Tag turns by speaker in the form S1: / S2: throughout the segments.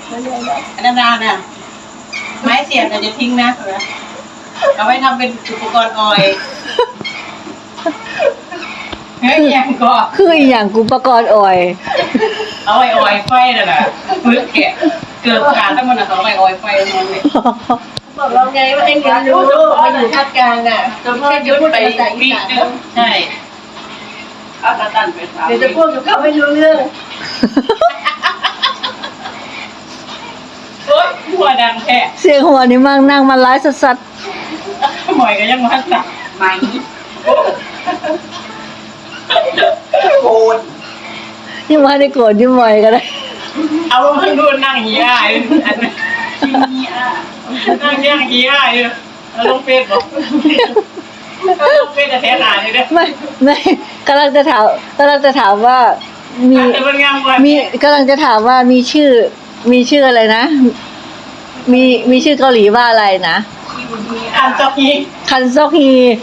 S1: อันนั้นน่ะไม้เสียบจะทิ้งนะเอาไว้ทำเป็นอุปกรณ์ออยเฮ้ยยังก็
S2: คืออีหยังกูประกอบอ่อย
S1: เอาไว้ออยไฟนั่นแหละมือแกะเกือบขาดทั้งหมดเอาไว้ออยไฟนั่นเลย
S3: บอกเราไงว่าให้เรียนรู้มาอยู่ภาคกลางอ่ะจนพ่อจะพูดภาษาอีสาน
S1: ใช่เอาตาตันไป
S3: เดี๋ยวจะพูดกับเขาไม่รู้เรื่อง
S1: โอ๊ยหัวดังแท้
S2: เสียงหัวนี่มั่งนั่งมาไลฟ์สัด
S1: หมอยก็ยังมาตัดไหมโกน
S2: ยิ่งมาได้โกรธยิ่งบ่อยก็ได้
S1: เอาให้ดูนั่งเหี้ยอันนี้นั่งย่างเหี้ยเอาลงเฟซบอกลงเฟซแต่แท้หนาเลยเด้อ
S2: ไม่กำลังจะถามว่ามีกำลังจะถามว่ามีชื่ออะไรนะมีชื่อเกาหลีว่าอะไรนะ
S1: คันซอกฮี
S2: คันซอกฮี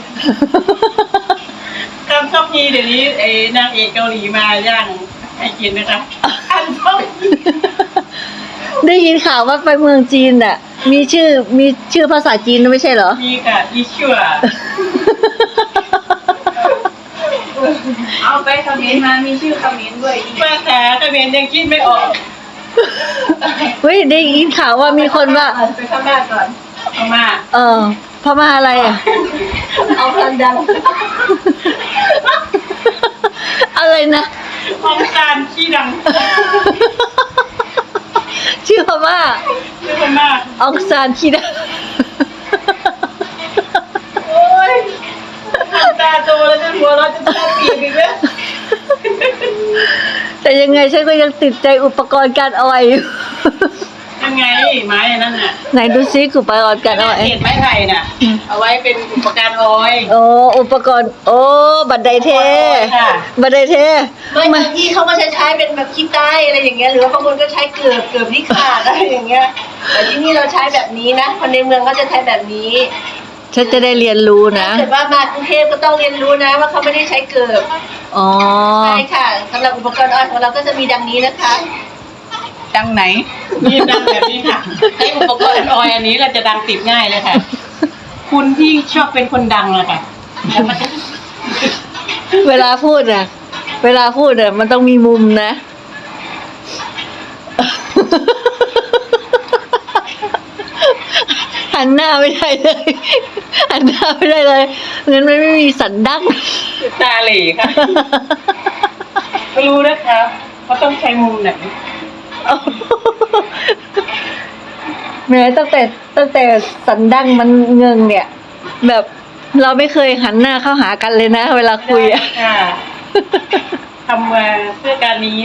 S1: คันซอกฮีเดี๋ยวนี้ไอ้นางเอกเกาหลีมาย่างให้กินนะคะคันซอกฮี
S2: ได้ยินข่าวว่าไปเมืองจีนน่ะมีชื่อภาษาจีนไม่ใช่เหรอ
S1: มีค่ะอีชัว
S3: เอาไปคอมเมนต์มามีชื่อคอมเมนต์ด้วย
S1: ภาษาคอมเมนต์ยังคิดไม่ออก
S2: เฮ้ยได้ยินข่าวว่ามีคนว่า
S3: ไปพม่าก่อน
S1: พม่า
S2: พม่าอะไรอ่ะ
S3: เอาคนดัง
S2: อะไรนะ
S1: องซานขี้ดัง
S2: ชื่อพม่า
S1: อง
S2: ซานขี้ดัง
S1: โอ้ยตาโตแล้วจะหัวเราะจะตาปีกอีกแล้ว
S2: แต่ยังไงฉันก็ยังติดใจอุปกรณ์การออยอยู่
S1: ยังไงไม้นั่นน่ะ
S2: ไหนดูซิอุปกรณ์การออย
S1: เศษไม้ไผ่น่ะเอาไว้เป็นอุปกรณ์ออย
S2: อุปกรณ์บันไดเทบันไดเท
S3: บางที่เขาก็ใช้เป็นแบบขี้ใต้อะไรอย่างเงี้ยหรือว่าบางคนก็ใช้เกือบที่ขาดอะไรอย่างเงี้ยแต่ที่นี่เราใช้แบบนี้นะคนในเมืองก็จะใช้แบบนี้
S2: ฉันจะได้เรียนรู้นะ
S3: แต่ว่ามากรุงเทพก็ต้องเรียนรู้นะว่าเขาไม่ได้ใช้เกือบใช่ค่ะสำหรับอุปกรณ์ออยของเราก็จะมีดังนี้นะคะ
S1: ดังไหนนี่ดังแบบนี้ค่ะให้อุปกรณ์ออยอันนี้เราจะดังติดง่ายเลยค่ะคุณที่ชอบเป็นคนดังเลยค่ะ
S2: เวลาพูดอะมันต้องมีมุมนะหันหน้าไม่ได้เลยงั้นมันไม่มีสันดั้ง
S1: ตาเหล่ค่ะไม่รู้นะคะเขาต้องใช้มุมไหน
S2: แม้ตั้งแต่สันดั้งมันเงิงเนี่ยแบบเราไม่เคยหันหน้าเข้าหากันเลยนะเวลาคุยอะ
S1: ทำมาเพื่อการนี้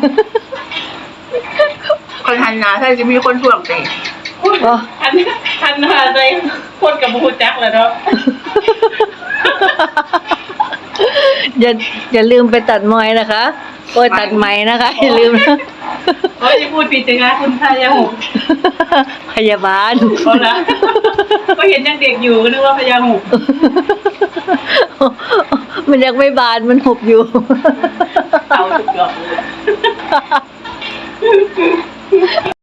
S1: คนหันหน้าใช่จะมีคนถ่วงเตะหันหน้าใจคนกับบูจักเลยเนาะ
S2: อย่าลืมไปตัดมอยนะคะตัดไหมนะคะอย่าลืมนะ
S1: จะพูดผิดจังนะคุณ
S2: พยาบาล
S1: เขาละก็เห็นยังเด็กอยู่นึกว่าพยาหุบ
S2: มันยังไม่บานมันหุบอยู่
S1: เอาทุกอย่างเลย